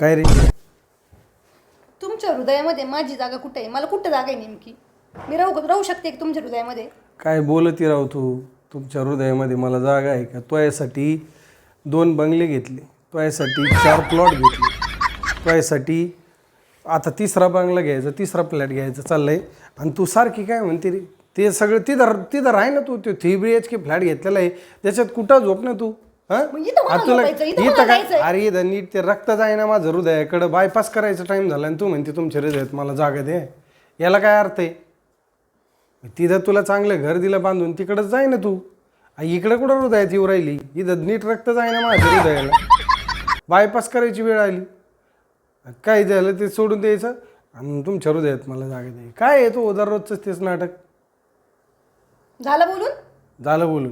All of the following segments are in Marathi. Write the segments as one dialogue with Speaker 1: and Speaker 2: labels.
Speaker 1: काय रे?
Speaker 2: तुमच्या हृदयामध्ये माझी जागा कुठे आहे? मला कुठं जागा आहे नेमकी? मी राहू शकते की तुमच्या हृदयामध्ये?
Speaker 1: काय बोलती राव तू? तुमच्या हृदयामध्ये मला जागा आहे का? तो यासाठी 2 बंगले घेतले, तो यासाठी 4 प्लॉट घेतले, तो यासाठी आता 3रा बंगला घ्यायचा, 3रा फ्लॅट घ्यायचा चाललंय. आणि तू सारखी काय म्हणते रे? ते सगळं तिथं तिथं राह ना तू. ते 3 BHK फ्लॅट घेतलेला आहे, त्याच्यात कुठं झोप ना तू?
Speaker 2: मग इथं मला झोपायचं, इथं मला जायचंय.
Speaker 1: अरे इथं नीट ते रक्त जाय ना माझं हृदयाकडं. बायपास करायचा टाइम झाला आणि तू म्हणते तुमच्या हृदयात मला जागा दे. याला काय अर्थ आहे? तिथं तुला चांगलं घर दिलं बांधून, तिकडंच जाय ना तू. इकडं कुठं हृदयात येऊ राहिली? इथं नीट रक्त जाय ना माझ्या हृदयाला. बायपास करायची वेळ आली, काय झालं ते सोडून द्यायचं आणि तुमच्या हृदयात मला जागा दे. काय आहे तो दररोजच तेच नाटक?
Speaker 2: झालं बोलून?
Speaker 1: झालं बोलून.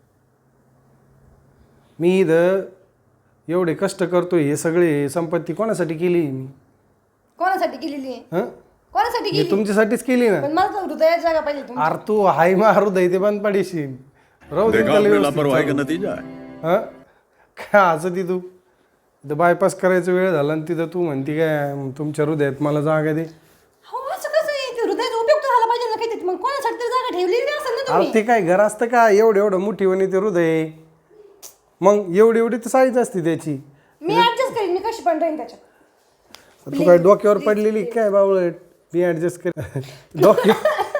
Speaker 1: मी इथं एवढे कष्ट करतोय, हे सगळे संपत्ती कोणासाठी केली मी?
Speaker 2: कोणासाठी केलेली आहे?
Speaker 1: हं?
Speaker 2: कोणासाठी
Speaker 1: हे
Speaker 2: केली?
Speaker 1: तुमच्यासाठीच केली ना.
Speaker 2: पण मला तर हृदयात जागा पाहिजे तुमची.
Speaker 1: अरे तू हाय मा हृदय ते बंद पाडीशील. राहू दे त्याला
Speaker 3: लापरवाही का
Speaker 1: व्यवस्थित.
Speaker 3: नतीजा है.
Speaker 1: हं? काय असं ती तू इथं बायपास करायचा वेळ झाला आणि तिथं तू म्हणती काय तुमच्या हृदयात मला जागा दे.
Speaker 2: हो असं कसं आहे? ते हृदयाचा उपयोग तर झाला पाहिजे ना काहीतरी. मग कोणासाठी तरी जागा ठेवलेली असेल ना
Speaker 1: अरे
Speaker 2: तुम्ही.
Speaker 1: ते काय घर असतं का? एवढं मोठी वणी ते हृदय. मग एवढी तर साईज असते त्याची.
Speaker 2: मी ऍडजस्ट करीन, मी कशी पण राहीन त्याच्यात.
Speaker 1: तू काय डोक्यावर पडलेली काय बावळट? मी ऍडजस्ट कर. डोक्या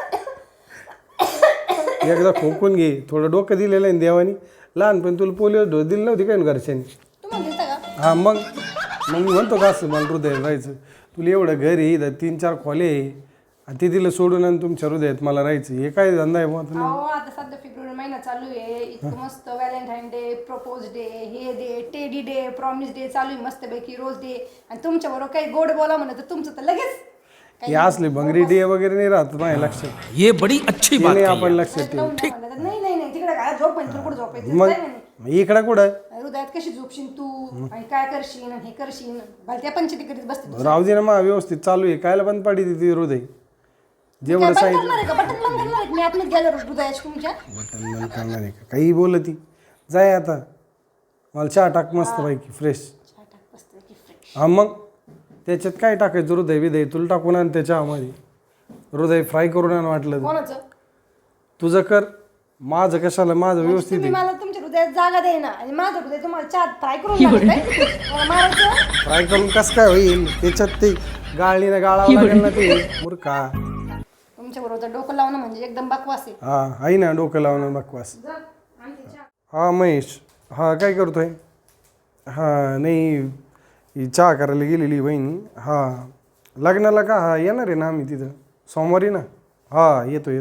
Speaker 1: एकदा खोकून घे. थोडं डोकं दिलेलं आहे देवानी. लहानपणी तुला पोलिओ डोस दिली नव्हती काय घरच्यांनी?
Speaker 2: तुम्हाला दिसता का?
Speaker 1: हा मग मी म्हणतो का असं मला हृदयात राहायचं. तुला एवढं घर आहे, इथं 3-4 खोले आहे आणि ते दिलं सोडून आणि तुमच्या हृदयात मला राहायचं. हे काय धंदा आहे बुवा तुम्ही?
Speaker 2: अहो आता सध्या फेब्रुवारी महिना चालू आहे. इतकं मस्त व्हॅलेंटाईन डे, प्रपोज डे, हे day, teddy day, promise day चालू आहे मस्तपैकी रोज डे. आणि तुमच्या बरोबर काही गोड बोला म्हणत तर तुमचं तर लगेच
Speaker 1: हे असले भंगरी डे वगैरे नाही राहत माझ्या लक्षात.
Speaker 4: ये बड़ी अच्छी बात
Speaker 1: नाही
Speaker 4: कही
Speaker 1: आपण लक्षात ठेवू.
Speaker 2: नाही नाही नाही तिकडे काय झोप म्हणजे कुठं झोपायचं?
Speaker 1: मग
Speaker 2: जाय म्हणे.
Speaker 1: इकडं कुठं
Speaker 2: हृदयात कशी झोपशील तू आणि काय करशील आणि हे करशील? भलत्या पंचायती करीत बसते तू.
Speaker 1: राहू दे ना मग व्यवस्थित चालू आहे. कायला बंद पाडी ती हृदय? जेवढं
Speaker 2: काय बंद
Speaker 1: सांगितलं
Speaker 2: करणार आहे का? बटन बंद करणार आहे का? मी आतमध्ये गेलो हृदयाच्या तुमच्या.
Speaker 1: बटन बंद करणार आहे का? काही बोलती जाय आता. मला चहा टाक मस्त पैकी फ्रेश. हा मग त्याच्यात काय टाकायचं? हृदय बिदय तुला टाकून आण त्या चहामध्ये. हृदय फ्राय करून आण वाटलं तर.
Speaker 2: कोणाचं?
Speaker 1: तुझं कर, माझं कशाला? माझं व्यवस्थित
Speaker 2: तुम्ही
Speaker 1: आहे.
Speaker 2: मला तुमच्या हृदयात जागा देईना आणि माझं हृदय तुम्हाला चहा फ्राय करून लागतंय? मला मारायचं?
Speaker 1: फ्राय करून कसं काय होईल? त्याच्यात ते गाळणीनं गाळावं लागेल ना ते मूर्खा.
Speaker 2: तुमच्या बरोबर डोकं लावणं म्हणजे एकदम बकवास आहे.
Speaker 1: हा आहे ना डोकं लावणं बकवास.
Speaker 2: जा, आणते चहा.
Speaker 1: हा महेश, हा काय करतोय? हा नाही ही चहा करायला गेलेली बहिणी. हा लग्नाला का? हा येणार आहे ना आम्ही तिथं सोमवारी ना. हा येतो.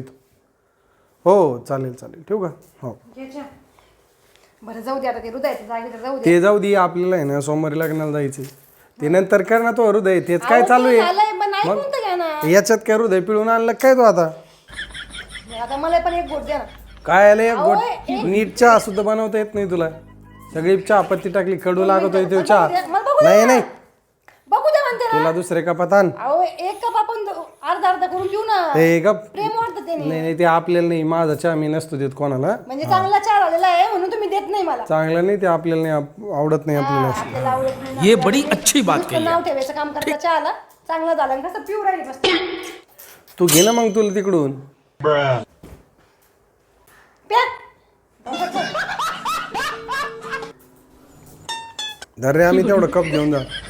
Speaker 1: हो चालेल ठेवू का? हो
Speaker 2: घे चहा. बरं जाऊ दे आता ते हृदयाचं जागे तर जाऊ दे.
Speaker 1: ते जाऊ दे. आपल्याला आहे ना सोमवारी लग्नाला जायचं. ते नंतर कर ना तो हृदय. तेच काय
Speaker 2: अहो,
Speaker 1: चालू
Speaker 2: ते
Speaker 1: आहे?
Speaker 2: झालंय, पण ऐकून तर घ्या ना.
Speaker 1: याच्यात काय हृदय पिळून आणलं काय तो आता?
Speaker 2: आता मला पण एक गोट द्या ना.
Speaker 1: काय आलं एक
Speaker 2: अहो,
Speaker 1: गोट? नीट चहा सुद्धा बनवता येत नाही तुला. सगळी चहा पत्ती टाकली, कडू लागतोय तो चहा.
Speaker 2: मला बघू द्या.
Speaker 1: नाही
Speaker 2: बघू द्या म्हणते ना.
Speaker 1: तुला दुसरे कपात आण.
Speaker 2: अहो एक कप आपण अर्धा करून पिऊ ना.
Speaker 1: हे गप.
Speaker 2: प्रेम वाटतं त्याने.
Speaker 1: नाही ते आपल्याला नाही. माझा चहा मी नसतो देत कोणाला.
Speaker 2: म्हणजे चांगला चहा झालेला आहे म्हणून तुम्ही देत नाही मला.
Speaker 1: चांगलं नाही ते आपल्याला नाही आवडत नाही आपल्याला.
Speaker 2: आपल्याला आवडत नाही.
Speaker 4: ये बड़ी अच्छी बात
Speaker 2: नुसतं
Speaker 4: कही
Speaker 2: नाव ठेवायचं काम करता चहाला. चांगला झाला आणि कसं पिऊ राहिली बस.
Speaker 1: तू घे ना मग तुला तिकडून.
Speaker 2: प्या.
Speaker 1: धर रे आम्ही तेवढं कप घेऊन जा.